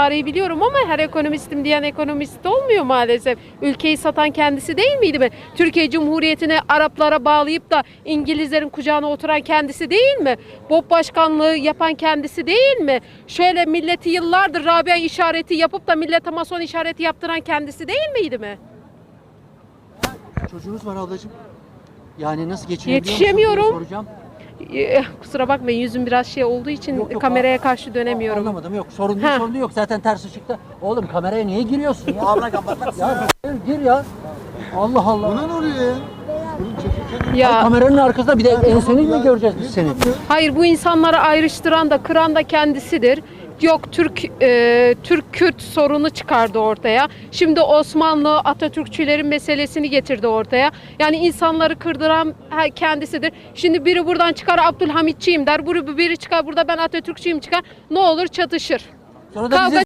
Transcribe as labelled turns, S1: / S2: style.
S1: tarihi biliyorum ama her ekonomistim diyen ekonomist olmuyor maalesef. Ülkeyi satan kendisi değil miydi mi? Türkiye Cumhuriyeti'ni Araplara bağlayıp da İngilizlerin kucağına oturan kendisi değil mi? BOP başkanlığı yapan kendisi değil mi? Şöyle milleti yıllardır Rabia işareti yapıp da millete mason işareti yaptıran kendisi değil miydi mi?
S2: Çocuğunuz var ablacığım. Yani nasıl geçinebiliyor musunuz
S1: Yetişemiyorum.
S2: diye soracağım.
S1: Kusura bakmayın, yüzüm biraz şey olduğu için
S2: Yok,
S1: kameraya karşı dönemiyorum.
S2: Anlamadım, yok sorun değil,
S1: Ha.
S2: sorun yok. Zaten ters ışıkta. Oğlum kameraya niye giriyorsun ya?
S3: Abla kapatmak
S2: Ya gir ya. Allah Allah.
S3: Buna ne oluyor ya?
S1: Ya
S2: Kameranın arkasında bir de enseni mi göreceğiz biz seni?
S1: hayır, bu insanları ayrıştıran da kıran da kendisidir. Yok, Türk-Kürt sorunu çıkardı ortaya. Şimdi Osmanlı Atatürkçülerin meselesini getirdi ortaya. Yani insanları kırdıran kendisidir. Şimdi biri buradan çıkar Abdülhamitçiyim der. Biri çıkar burada ben Atatürkçüyüm çıkar. Ne olur çatışır.
S2: Sonra da
S1: Kavga
S2: bize